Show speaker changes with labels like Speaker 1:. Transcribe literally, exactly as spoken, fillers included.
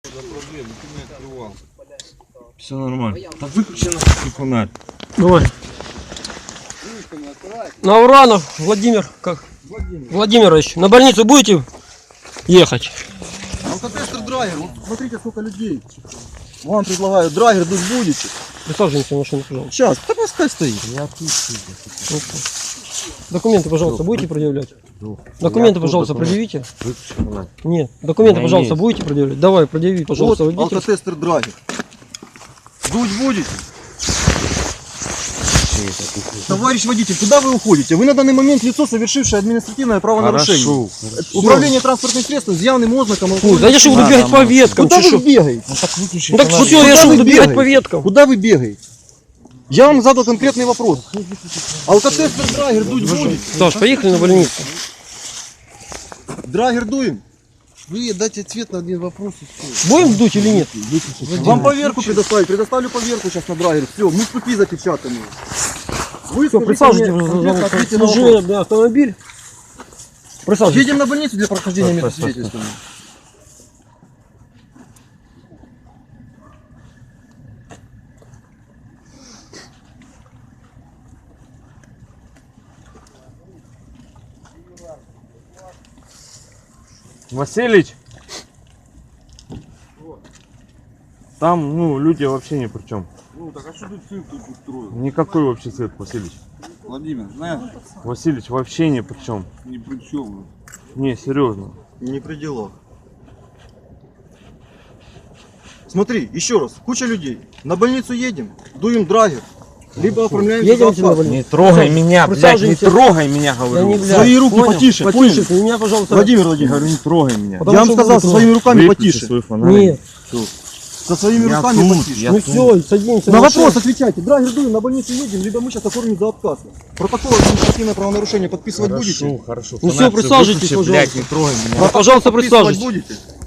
Speaker 1: Все нормально. Так выключи нахуй фонарь.
Speaker 2: Давай. На Уранов, Владимир, как? Владимир. Владимирович, на больницу будете ехать?
Speaker 3: Алкотестер драгер, вот смотрите сколько людей. Вам предлагаю, драгер дуть будете?
Speaker 2: Присаживайтесь в машину, пожалуйста.
Speaker 3: Сейчас, да пускай стоит.
Speaker 2: Документы, пожалуйста, будете предъявлять? Документы, пожалуйста, предъявите. Нет, документы, пожалуйста, будете предъявлять? Давай, предъяви, пожалуйста,
Speaker 3: Вот
Speaker 2: водитель.
Speaker 3: алкотестер драгер. Дуть будете? Товарищ водитель, куда вы уходите? Вы на данный момент лицо, совершившее административное правонарушение.
Speaker 1: Хорошо.
Speaker 3: Управление транспортным средством с явным ознаком.
Speaker 2: Фу, да я же буду
Speaker 1: Да,
Speaker 2: бегать
Speaker 1: да,
Speaker 2: по
Speaker 1: да.
Speaker 2: веткам.
Speaker 3: Куда
Speaker 2: ты
Speaker 3: вы
Speaker 2: шо?
Speaker 3: бегаете?
Speaker 1: Ну так выключи
Speaker 2: Ну так
Speaker 1: фонарь.
Speaker 2: что, я
Speaker 3: Куда
Speaker 2: же
Speaker 3: вы
Speaker 2: буду бегать
Speaker 3: бегаете?
Speaker 2: по веткам.
Speaker 3: Куда вы бегаете? Я вам задал конкретный вопрос. Алкотестер драгер дуть будет?
Speaker 2: Саш, поехали на больницу.
Speaker 3: Драгер дуем?
Speaker 4: Вы дайте ответ на один вопрос и все.
Speaker 2: Будем дуть или нет?
Speaker 3: Вам поверку предоставить, предоставлю поверку сейчас на драгер. Все, мы ступи запечатаны. Вы
Speaker 2: Все,
Speaker 3: скажите
Speaker 2: присаживайтесь
Speaker 3: мне
Speaker 2: в
Speaker 3: конкретно ответьте на вопрос.
Speaker 2: служебный автомобиль. Присаживайтесь.
Speaker 3: Едем на больницу для прохождения медосвидетельствования.
Speaker 1: Василич? Там, ну, люди вообще ни при чем.
Speaker 4: Ну так а что ты цирк тут устроил?
Speaker 1: Никакой вообще цирк, Василич.
Speaker 4: Владимир, знаешь,
Speaker 1: Василич вообще ни при чем.
Speaker 4: ни при чем.
Speaker 1: Не, серьезно.
Speaker 3: Не при делах. Смотри, еще раз, куча людей. На больницу едем, дуем драгер. Либо оформляем
Speaker 2: Едемте на
Speaker 3: заказ.
Speaker 2: больницу.
Speaker 1: Не трогай меня, блядь, не
Speaker 2: Присаживайся.
Speaker 1: трогай меня,
Speaker 2: Да
Speaker 1: говорю.
Speaker 2: не, блядь,
Speaker 3: Свои руки
Speaker 2: понял?
Speaker 3: потише,
Speaker 2: Потише,
Speaker 3: понял?
Speaker 2: меня, пожалуйста.
Speaker 3: Владимир
Speaker 1: Я
Speaker 3: Владимирович,
Speaker 1: говорю, не трогай меня.
Speaker 2: Потому
Speaker 3: я вам
Speaker 2: что
Speaker 3: сказал,
Speaker 2: буду
Speaker 3: со своими руками
Speaker 1: Выключи
Speaker 3: потише.
Speaker 1: свой фонарь.
Speaker 2: Нет,
Speaker 3: Со своими
Speaker 1: Я
Speaker 3: руками
Speaker 1: тут,
Speaker 3: потише.
Speaker 1: я
Speaker 2: ну
Speaker 1: тут.
Speaker 2: все, садимся.
Speaker 3: На
Speaker 2: в машину.
Speaker 3: вопрос отвечайте. Драгер дуем, на больницу едем, либо мы сейчас оформим за отказ. Протокол административное правонарушение подписывать будете?
Speaker 1: Хорошо, хорошо.
Speaker 2: Ну
Speaker 1: Фонарь
Speaker 2: всё, присаживайтесь,
Speaker 1: выключи, блядь,
Speaker 2: пожалуйста.
Speaker 1: не трогай меня.
Speaker 2: Ну, пожалуйста,
Speaker 3: Подписывать
Speaker 2: присаживайтесь.
Speaker 3: будете?